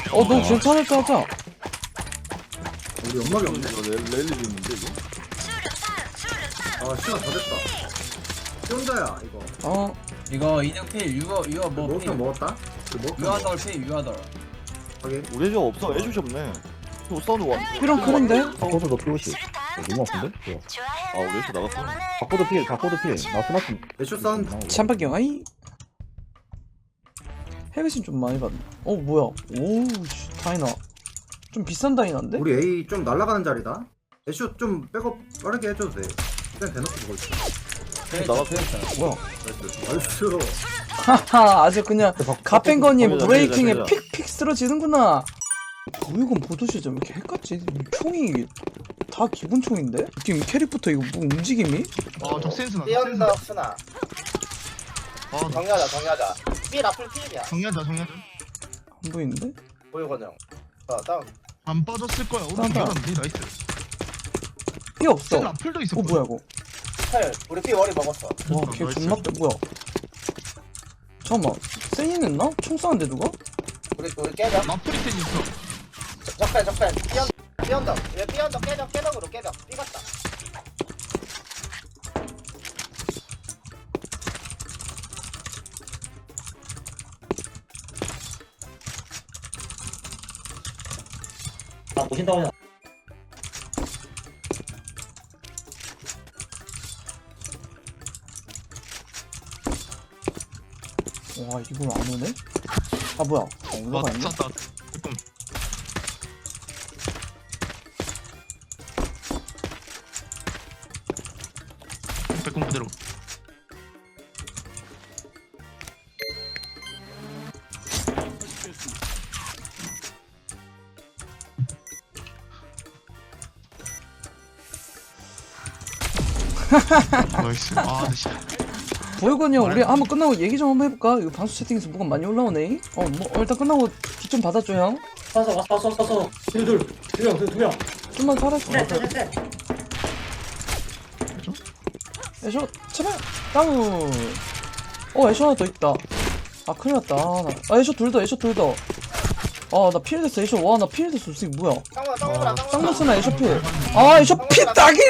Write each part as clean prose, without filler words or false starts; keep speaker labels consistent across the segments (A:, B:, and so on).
A: 너 괜찮을 때 하자.
B: 우리 연막이 없네.
C: 랠리 있는데 이거?
B: 아 시간 다 됐다. 혼자야 이거.
D: 이거 이등필 유어 뭐
B: 먹었다 먹었다.
D: 유아덜 필 유아덜.
B: 확인.
C: 우리 애주 없어. 애주시 없네. 이거 싸우는 거 같은데?
A: 이런 크는데?
E: 바코드 너 P50 너무 아픈데? 뭐야
C: 아 우리 애주 나갔어.
E: 바코드 필 나 스나프
B: 애쇼 사운드.
A: 참박경 아이. 헤비신 좀 많이 받네. 뭐야? 오우씨 다이나. 좀 비싼 다이나인데?
B: 우리 A 좀 날아가는 자리다. 애쇼 좀 백업 빠르게 해줘도 돼. 그냥 대놓고 보고 있어.
C: 나갔어.
A: 뭐야?
B: 나이스.
A: 하하 아주 그냥 가펜건이
C: 거기다,
A: 브레이킹에
C: 거기다.
A: 픽픽 쓰러지는구나. 보이건 보도시죠. 왜 이렇게 헷갈지? 총이 다 기본 총인데? 지금 캐릭부터 이거 뭐 움직임이?
F: 저 센스나
G: 삐언더 스나
F: 아
G: 정리하자 삐 라플 삐이야
F: 정리하자
A: 안 보이는데?
G: 보이건 형 다운
F: 안 빠졌을 거야 오른쪽
A: 딴다.
F: 열었는데 나이스
A: 피 없어.
F: 센 라플도 있었거든
A: 뭐야 이거?
G: 헐 우리 삐 머리 먹었어
A: 와걔
F: 나이스.
A: 존나 빼 뭐야? 잠깐만 세인 했나? 총 쏘는데 누가?
G: 우리 깨벽
F: 라플이 센 있어
G: 적배 삐언더 얘 삐언더 깨벽으로 깨벽 삐 같다
E: 보신다고
A: 와 이걸 안 오네? 아 뭐야? 올라가 있네.
F: 맞췄다 조금 백공 그대로 나이스 진짜
A: 보이건이 형 우리 한번 끝나고 얘기 좀 한번 해볼까? 이거 방수 채팅에서 뭐가 많이 올라오네. 일단 끝나고 뒷 좀 받아줘 형.
E: 왔어 두명
A: 좀만 살았어. 애쇼 제발 다운. 애쇼 하나 더 있다. 아 큰일 났다. 애쇼 둘 더. 나 필 됐어 애쇼. 와 나 필 됐어. 이게 뭐야? 쌍문스나 애쇼 필. 애쇼 피 따기.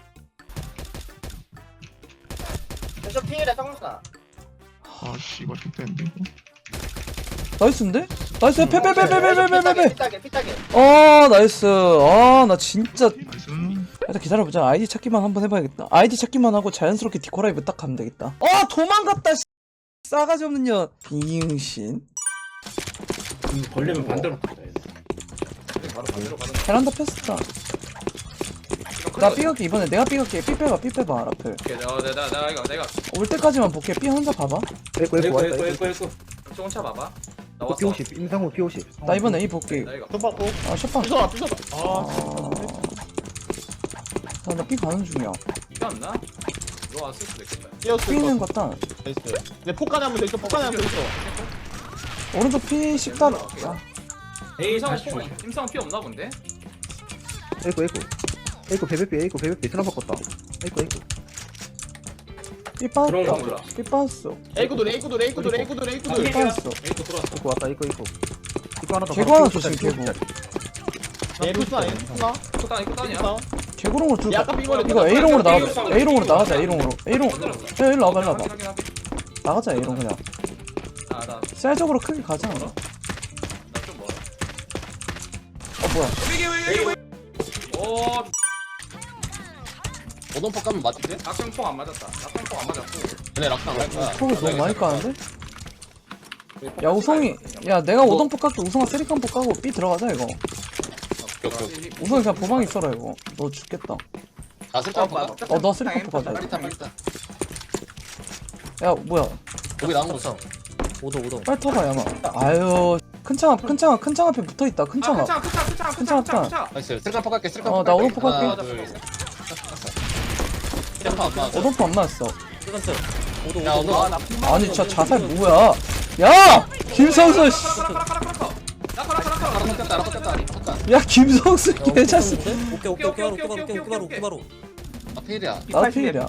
G: 애쇼 삐이래 쌍스나
F: 아씨 이거 좀 뺐는데 이거
A: 나이스인데? 나이스 빼.
G: 삐딱이
A: 나이스. 나 진짜
F: 나이스
A: 일단 기다려보자. 아이디 찾기만 한번 해봐야겠다. 아이디 찾기만 하고 자연스럽게 디코라이브 딱 가면 되겠다. 도망갔다. 싸가지 없는 년. 비응신.
E: 걸리면 반대로
A: 베란다 패스다. 나 삐갈게 이번에 내가 삐갈게. 삐 빼봐 라플.
H: 내가
A: 올 때까지만 볼게. 삐 혼자 봐봐.
E: 에이코 왔다
H: 쫓아 봐봐. 나
E: 또
H: 왔어.
E: P50 임상호 P50
A: 나 이번에 A 볼게.
H: 나 이거.
A: 샷방. 나 삐 가는 중이야.
H: 이거 안 나? 이거 왔을 수도 있겠다.
A: 삐 있는 것 같다.
I: 내 폭간에 한번 더 있어. 폭간에 한번 더 있어.
A: 오른쪽 삐 10단.
H: 임상 피 없나 본데?
E: 에이코 베베피 스나 바꿨다 에이코
A: 삐 빠졌다.
H: 몰라.
A: 삐 빠졌어.
I: 에이쿠돌.
A: 삐 빠졌어.
E: 에이코 왔다 에이코 하나 더
A: 개구 하나 조심 개구.
I: 에이쿠 스나.
H: 이거 따냐?
A: 개구롱으로 둘.
I: 약간 삐거려.
A: 이거 A롱으로 나가자. A롱으로 나가자. A롱. 야 일로 와봐. 나가자 A롱 그냥.
H: 나
A: 셀적으로 크게 가자.
H: 좀 멀어.
A: 뭐야?
H: 오,
I: 오동폭 가면 맞지?
H: 낙성폭 안 맞았다. 낙성폭 안 맞았고.
I: 얘네 락상 갈 거야.
A: 폭을 너무 많이 까는데? 야 우성이 야 내가 오동폭 깎고 우성아 쓰리칸폭 까고 B 들어가자 이거. 우성이 그냥 보방 있어라 이거. 너 죽겠다.
I: 나 쓸까 봐.
A: 너 쓰리칸폭 가자.
I: 빨리다.
A: 야 뭐야?
I: 여기 나온 거 있어.
A: 빨리 타봐 야마. 아유 큰 창 앞에 붙어있다. 큰 창 앞.
H: 크차.
I: 나이스. 쓸까 폭 갈게. 쓸까
A: 나 오동폭 갈게.
I: 하나, 둘, 셋. 쓸까 안 맞아.
A: 오동폭 안 맞았어.
I: 야, 오동.
A: 아니 진짜 자살 뭐야? 야 김성수 씨.
I: 알아 섞였다.
A: 야 김성수 개자식.
H: 오케이.
I: 아, 페일이야.
A: 나도 필이야.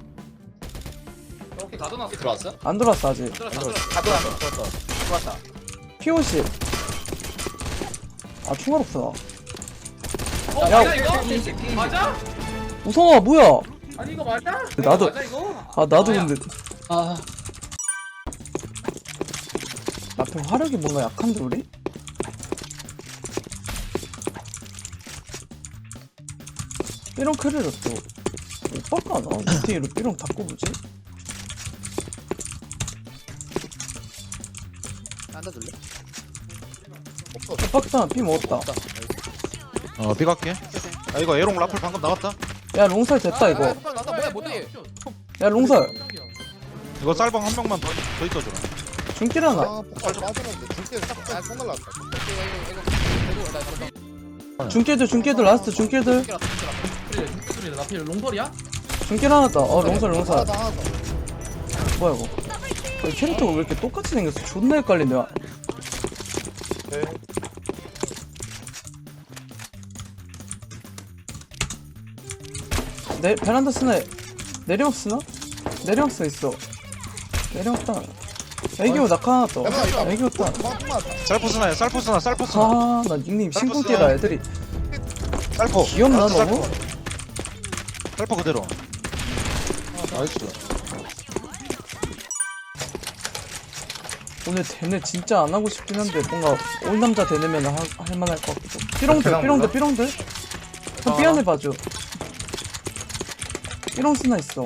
H: 오케이, 가둬놨어.
I: 들어왔어?
A: 안 들어왔어 아직.
H: 들어왔어.
A: P50. 아 총알 없어
H: 어
A: 야,
H: 맞아 이거? 맞아?
A: 우성아 뭐야
H: 아니 이거 맞아?
A: 나도-
H: 맞아 이거?
A: 아 나도
H: 야.
A: 근데 앞에 화력이 뭔가 약한데 우리? 삐롱 크리를 또 오빠가 나 어떻게 이렇게 삐롱 바꿔보지?
G: 앉아줄래?
A: 오빠가 삐 먹었다
J: B 갈게. 아 이거 에롱 라플 방금 나왔다.
A: 야 롱살 됐다 이거
G: 나도 뭐야 못해.
A: 야 롱살
J: 이거 쌀방 한 명만 더 있어줘.
A: 중길 하나
G: 맞았는데 줄게 딱 손을 났다.
A: 중길들 라스트 중길들
H: 나필 롱설이야?
A: 중길 하나 다어 롱살
G: 하나 더.
A: 뭐야 이거 이 캐릭터가 왜 이렇게 똑같이 생겼어 존나 헷갈린다 야. 베란다 쓰나 내리막 쓰나? 내리막 써 있어 내리막 따 애기호 낙하 하나 떠 애기호 따
J: 쌀포스나야 쌀포스나 쌀포스나.
A: 아, 나 닉네임 신궁띠라 애들이
J: 쌀포.
A: 귀엽나
J: 라스트
A: 너무?
J: 쌀포. 쌀포 그대로. 나이스.
A: 오늘 대뇌 진짜 안 하고 싶긴 한데 뭔가 올 남자 대뇌면 할만할 것 같기도. 삐롱들. 형 삐안해 봐줘. 삐롱 스나 있어.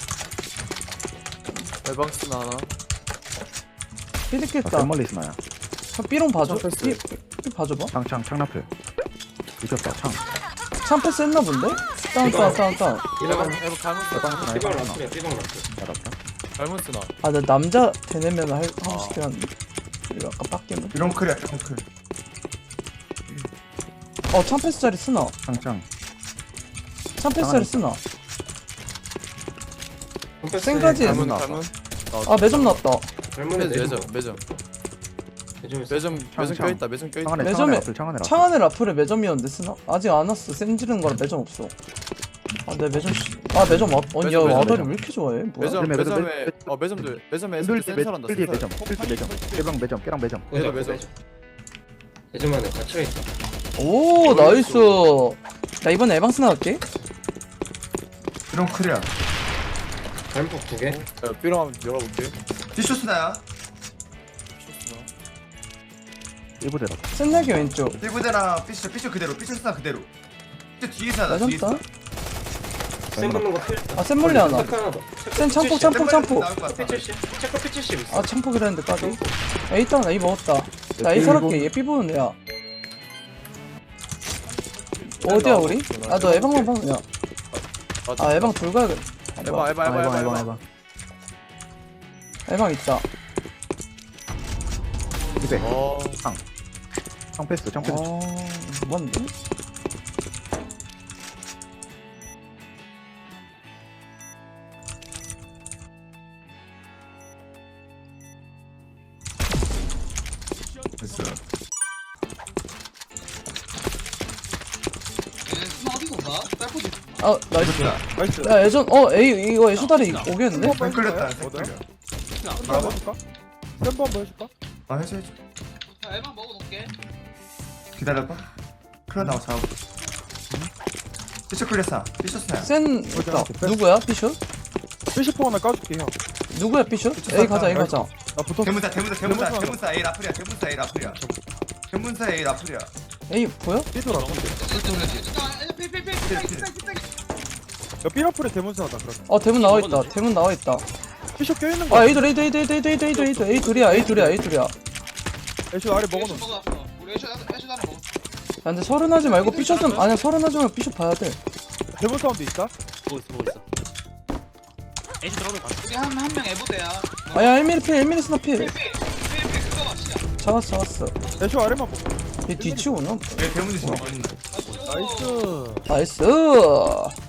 I: 에방스나 하나.
A: 삐득겠다.
E: 아, 멀리 있나야?
A: 형 삐롱 봐줘. 삐 봐줘봐.
E: 창 라플. 미쳤다 창.
A: 참패스 했나 본데? 다운.
I: 에방 잘못 쓰나.
A: 아, 나 남자 대뇌면 하고 싶긴 한데. 이거 아까 빡게임.
B: 이런 클이야 이런 클.
A: 참패스 자리 쓰나?
E: 창.
A: 참패스 자리 쓰나? 생가지.
I: 잘못.
A: 아, 매점 나왔다.
I: 매점 껴있다. 매점 껴있다.
E: 창 안에
A: 매점에-
E: 창 안에
A: 창 안에 라플에 매점이었는데 쓰나? 아직 안 왔어. 쌤 지른 거라 매점 없어. 아, 내 매점 매점 야,
I: 매점.
A: 아다리 왜 이렇게 좋아해? 뭐야?
I: 매점에 애들 센서란다.
E: 필드 매점. 깨랑 매점.
G: 예전만에 갇혀있다.
A: 오, 나이스. 나 이번에 에방스 나갈게.
B: 이런 클이야.
G: 발목 2개.
I: 삐롱 한번 열어볼게.
B: 디쇼스나야.
E: 일부대라.
A: 쌤내기 왼쪽.
B: 삐부대나 삐쇼 그대로. 삐쇼스나 그대로. 삐쇼 뒤에서 하나.
A: 매점
B: 뒤에서.
A: 따.
G: 쌤 붙는 거 필.
A: 아, 쌤 몰리 하나.
G: 하나 더.
A: 쌤 참포.
B: 나올 것 같다.
G: P70. 체크 P70 있어.
A: 아, 참포기라 했는데 까비. A 따, 나 A 먹었다. 나 A 살았게. 얘 B 보는 애야. 어디야, 우리? 아, 너 에방만 봐. 야. 아, 에방 둘 가야겠다.
I: 에방.
A: 에방 있다.
E: 이배.
I: 어.
E: 창 패스.
A: 뭔데?
B: 됐어.
A: 아, 나이스.
I: 나이스.
A: 야, 예전, A, 이거 애쇼다리 오겠는데?
B: 생 끌렸다. 생 끌려.
I: 뭐라고? 쌤번 뭐 해줄까?
B: 아 해줘.
H: 에방 먹어놓을게.
B: 기다려봐. 클라 나와 잡아. 삐쇼 클렸어. 삐쇼스나야.
A: 센, 있다. 누구야, 피슛?
I: 70% 하나 까줄게 형.
A: 누구야, 피슛? A 가자, A 가자.
I: 나 붙었어.
B: 대문사 A 라플이야. 대문사 A 라플이야.
A: A 보여?
I: 삐돌아. 야 삐라플에 대문사다 그러면.
A: 대문 나와있다. 대문 나와있다.
I: 피쇼 껴있는 거.
A: 아, A 둘이야.
I: 애쇼 아래 먹어놓은.
H: 우리 애쇼 하나 먹어.
A: 야, 근데 서른하지 말고 삐슛은, 아니야, 서른하지 말고 삐슛 봐야 돼.
I: 대문 사운드 있다?
H: 우리 한 명 에보대야.
A: 아야, 1mm 스나필.
H: 그거 봐, 시야.
A: 잡았어.
I: 애쇼 아래만 먹어.
A: 얘 뒤치고 오나?
B: 얘 대문 조심.
I: 나이스.
A: 나이스.